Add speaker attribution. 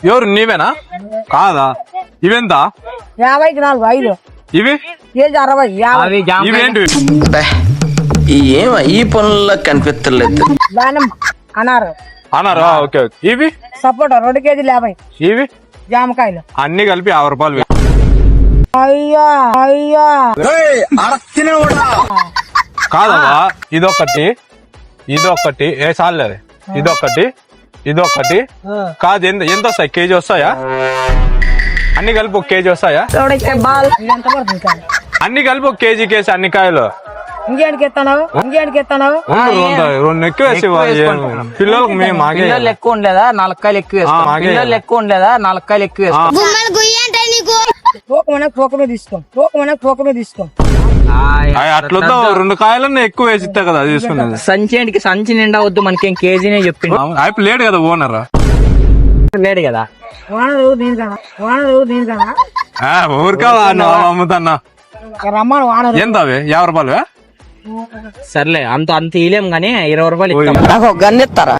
Speaker 1: ఎవరు నీవేనా? కాదా? ఇవెంత?
Speaker 2: 50కి 4 5.
Speaker 1: ఇవి
Speaker 2: కేజీ 60 50.
Speaker 1: ఇవేంటి?
Speaker 3: ఈ పనుల్లో కనిపించలేదు.
Speaker 2: దానిమ్మ అన్నారు
Speaker 1: అన్నారా? Okay okay. ఇవి
Speaker 2: సపోటా 2 కేజీలు 50.
Speaker 1: ఇవి
Speaker 2: జామకాయలు
Speaker 1: అన్ని కలిపి 50 రూపాయలు.
Speaker 2: అయ్యా అయ్యా
Speaker 1: కాదమ్మా, ఇదొకటి ఏ సార్లేదు, ఇదొకటి కాదు. ఎంత వస్తాయి? కేజీ వస్తాయా? అన్ని కలిపి 1 కేజీ వస్తాయా?
Speaker 2: ఇది ఎంత పడుతుంది కాదు?
Speaker 1: అన్ని కలిపి 1 కేజీ కేసి అన్ని కాయలు
Speaker 2: ఇంకేంటికి ఎత్తావు?
Speaker 1: రెండు ఎక్కువ వేసి పిల్లలకు మేము
Speaker 4: పిల్లలు ఎక్కువ ఉండలేదా? 4 కాయలు ఎక్కువ వేసుకో. పిల్లలు ఎక్కువ ఉండలేదా? 4 కాయలు ఎక్కువ వేసుకో.
Speaker 2: తూకమే తీసుకో.
Speaker 1: అట్లా 2 కాయలన్నీ ఎక్కువ వేసి ఇస్తా కదా తీసుకున్నది.
Speaker 4: సంచి నిండా వద్దు, మనకేం కేజీనే చెప్పిండు.
Speaker 1: అయిపోయి లేడు కదా ఓనర్,
Speaker 4: లేడు కదా.
Speaker 2: దీనికన్నా
Speaker 1: ఊరికా అమ్ముతాన్నా.
Speaker 2: రమ్మను వానరు.
Speaker 1: ఎంత అవి? 50 రూపాయలు.
Speaker 4: సర్లే, అంత ఇలేం గానీ 20 రూపాయలు ఇస్తాం.
Speaker 3: నాకు గన్నెత్తారా?